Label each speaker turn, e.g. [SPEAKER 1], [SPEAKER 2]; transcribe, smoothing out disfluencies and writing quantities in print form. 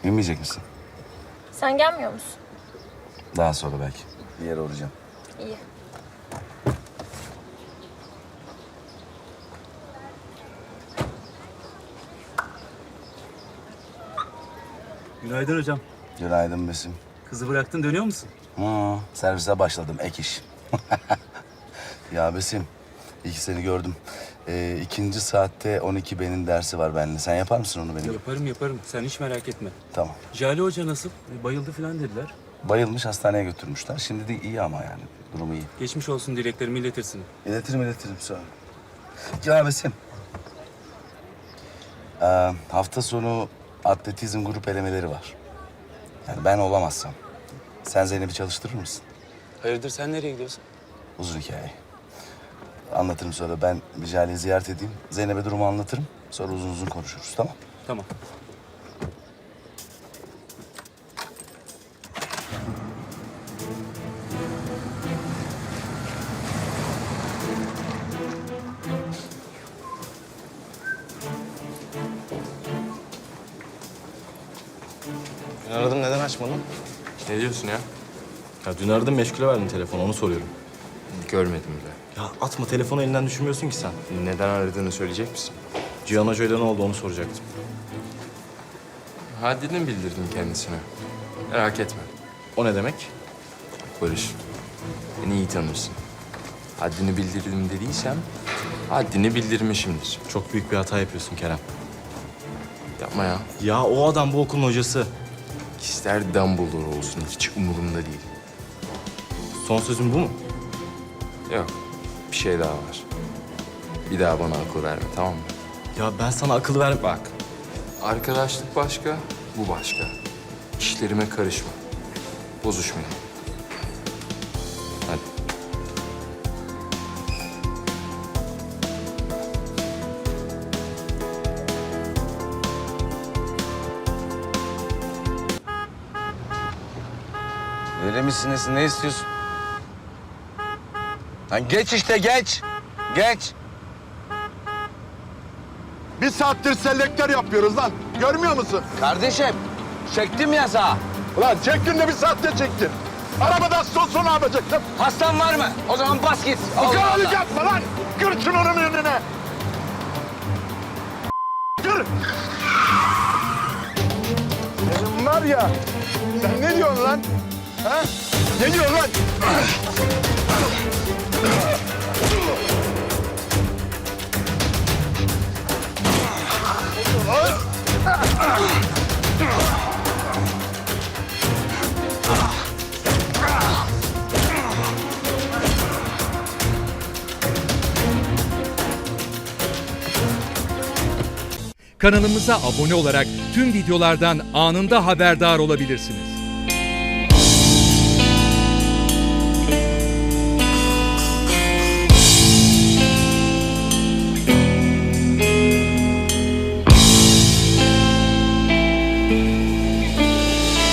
[SPEAKER 1] Binmeyecek misin?
[SPEAKER 2] Sen gelmiyor musun?
[SPEAKER 1] Daha sonra belki. Bir yere uğrayacağım.
[SPEAKER 2] İyi.
[SPEAKER 3] Günaydın hocam.
[SPEAKER 1] Günaydın Besim.
[SPEAKER 3] Kızı bıraktın, dönüyor musun?
[SPEAKER 1] Servise başladım, ek iş. Ya Besim, iyi ki seni gördüm. İkinci saatte 12B'nin dersi var benimle. Sen yapar mısın onu benim?
[SPEAKER 3] Yaparım. Sen hiç merak etme.
[SPEAKER 1] Tamam.
[SPEAKER 3] Jale Hoca nasıl? Bayıldı falan dediler.
[SPEAKER 1] Bayılmış, hastaneye götürmüşler. Şimdi de iyi ama yani. Durumu iyi.
[SPEAKER 3] Geçmiş olsun, dileklerimi iletirsin.
[SPEAKER 1] İletirim sonra. Ya Besim. Hafta sonu atletizm grup elemeleri var. Yani ben olamazsam. Sen Zeynep'i çalıştırır mısın?
[SPEAKER 3] Hayırdır, sen nereye gidiyorsun?
[SPEAKER 1] Uzun hikaye. Anlatırım sonra. Ben bir Jale'yi ziyaret edeyim. Zeynep'e durumu anlatırım. Sonra uzun uzun konuşuruz, tamam?
[SPEAKER 3] Tamam.
[SPEAKER 4] Dün aradım, neden açmadın?
[SPEAKER 5] Ne diyorsun ya?
[SPEAKER 4] Ya dün aradım, meşgule verdin telefonu, onu soruyorum.
[SPEAKER 5] Görmedim bile.
[SPEAKER 4] Ya atma, telefonu elinden düşürmüyorsun ki sen.
[SPEAKER 5] Neden aradığını söyleyecek misin?
[SPEAKER 4] Cihan Hoca'yla ne oldu onu soracaktım.
[SPEAKER 5] Haddini bildirdim kendisine. Merak etme.
[SPEAKER 4] O ne demek?
[SPEAKER 5] Barış, beni iyi tanırsın. Haddini bildirdim dediysem, haddini bildirmişimdir.
[SPEAKER 4] Çok büyük bir hata yapıyorsun Kerem.
[SPEAKER 5] Yapma ya.
[SPEAKER 4] Ya o adam bu okulun hocası.
[SPEAKER 5] İster Dumbledore olsun, hiç umurumda değil.
[SPEAKER 4] Son sözün bu mu?
[SPEAKER 5] Yok, bir şey daha var. Bir daha bana akıl verme, tamam mı?
[SPEAKER 4] Ya ben sana akıl ver...
[SPEAKER 5] Bak, arkadaşlık başka, bu başka. İşlerime karışma. Bozuşmayalım. Hadi.
[SPEAKER 1] Verir misiniz? Ne istiyorsun? Lan geç işte, geç. Geç.
[SPEAKER 6] Bir saattir selektör yapıyoruz lan. Görmüyor musun?
[SPEAKER 1] Kardeşim, çektim yasağı.
[SPEAKER 6] Ulan çektin de bir saatte çektin. Arabadan son ne yapacaktım?
[SPEAKER 1] Hastan var mı? O zaman bas git.
[SPEAKER 6] Bu kadar yapma lan. Kır şunu onun önüne. Kır. Senin var ya. Sen ne diyorsun lan? Ha? Ne diyorsun lan?
[SPEAKER 7] Kanalımıza abone olarak tüm videolardan anında haberdar olabilirsiniz.